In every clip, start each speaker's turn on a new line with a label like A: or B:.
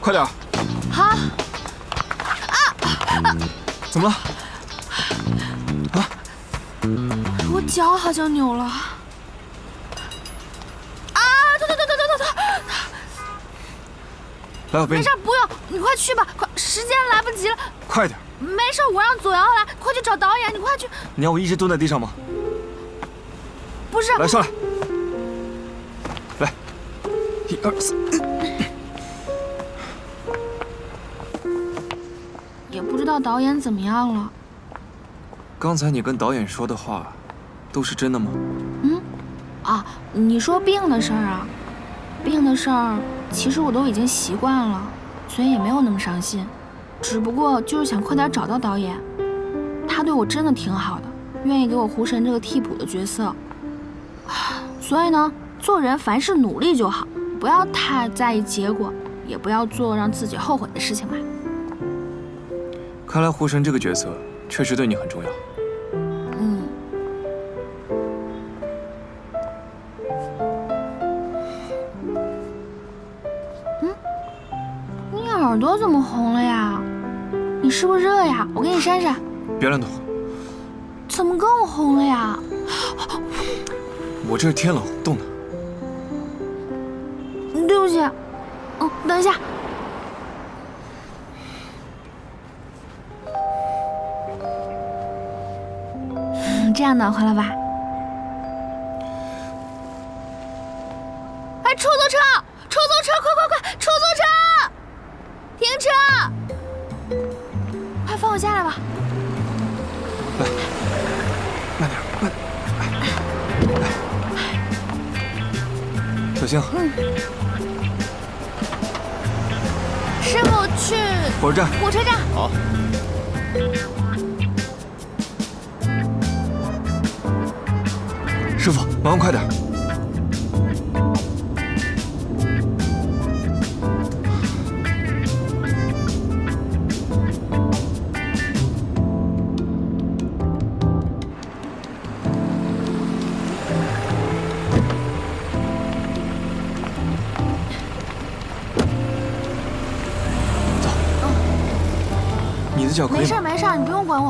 A: 快点。
B: 好。
A: 怎么了？啊？
B: 我脚好像扭了。疼！
A: 来，我背你。
B: 没事，不用，你快去吧，快，时间来不及了。
A: 快点。
B: 没事，我让左瑶来，快去找导演，你快去。
A: 你要我一直蹲在地上吗？
B: 不是。
A: 来，上来。来，1、2、3。
B: 也不知道导演怎么样了。
A: 刚才你跟导演说的话，都是真的吗？
B: 你说病的事儿啊？病的事儿，其实我都已经习惯了，所以也没有那么伤心。只不过就是想快点找到导演，他对我真的挺好的，愿意给我胡神这个替补的角色。所以呢，做人凡事努力就好，不要太在意结果，也不要做让自己后悔的事情吧。
A: 看来胡神这个角色确实对你很重要。
B: 你耳朵怎么红了呀？你是不是热呀？我给你扇扇。
A: 别乱动。
B: 怎么更红了呀？
A: 我这是天冷冻的。
B: 对不起。等一下。这样暖和了吧？哎，出租车，快，出租车，停车！快放我下来吧。
A: 来，慢点，慢点，来，小心。
B: 师傅去
A: 火车站。
B: 火车站。
A: 好。师傅，麻烦快点。走。你的脚可以吗？
B: 没事，你不用管我。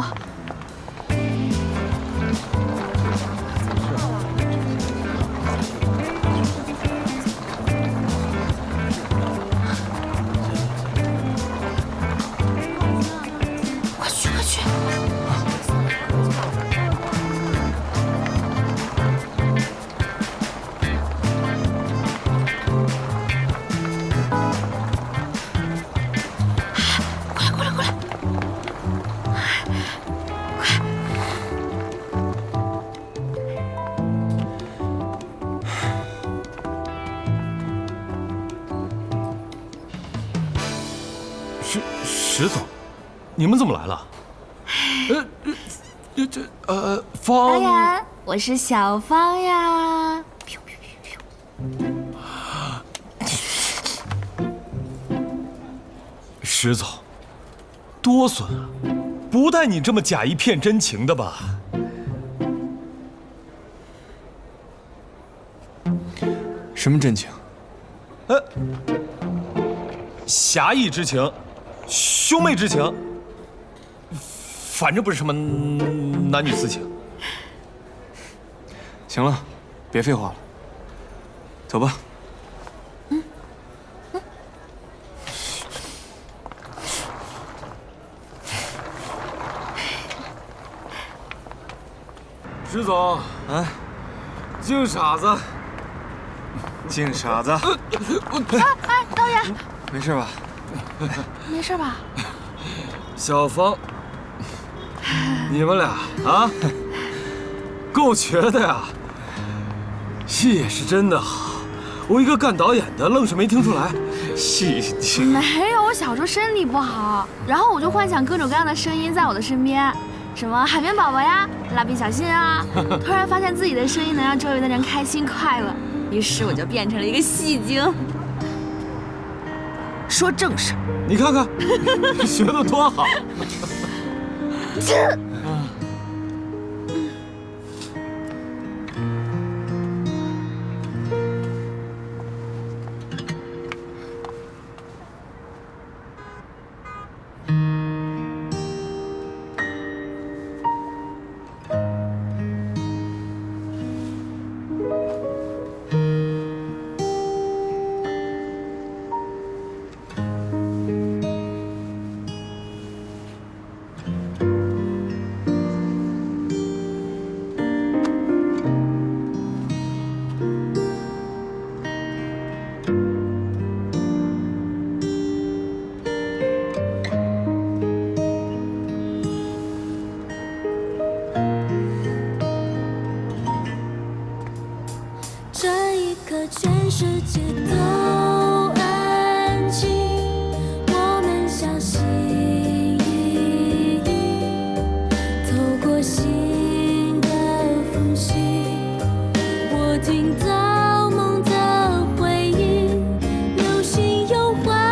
C: 石总，你们怎么来了？
B: 方导演，我是小芳呀。
C: 石总，多损啊！不带你这么假一片真情的吧？
A: 什么真情？
C: 侠义之情，兄妹之情，反正不是什么男女私情。
A: 行了，别废话了，走吧。
D: 石总，
A: 哎，
D: 净傻子，
A: 净傻子。
B: 哎，导演，
A: 没事吧？
B: 没事吧？
D: 小芳，你们俩啊，够瘸的呀！戏也是真的好，我一个干导演的，愣是没听出来。
A: 戏
B: 没有，我小时候身体不好，然后我就幻想各种各样的声音在我的身边，什么海绵宝宝呀、蜡笔小新啊，突然发现自己的声音能让周围的人开心快乐，于是我就变成了一个戏精。说正事，
D: 你看看，学得多好。
B: 切。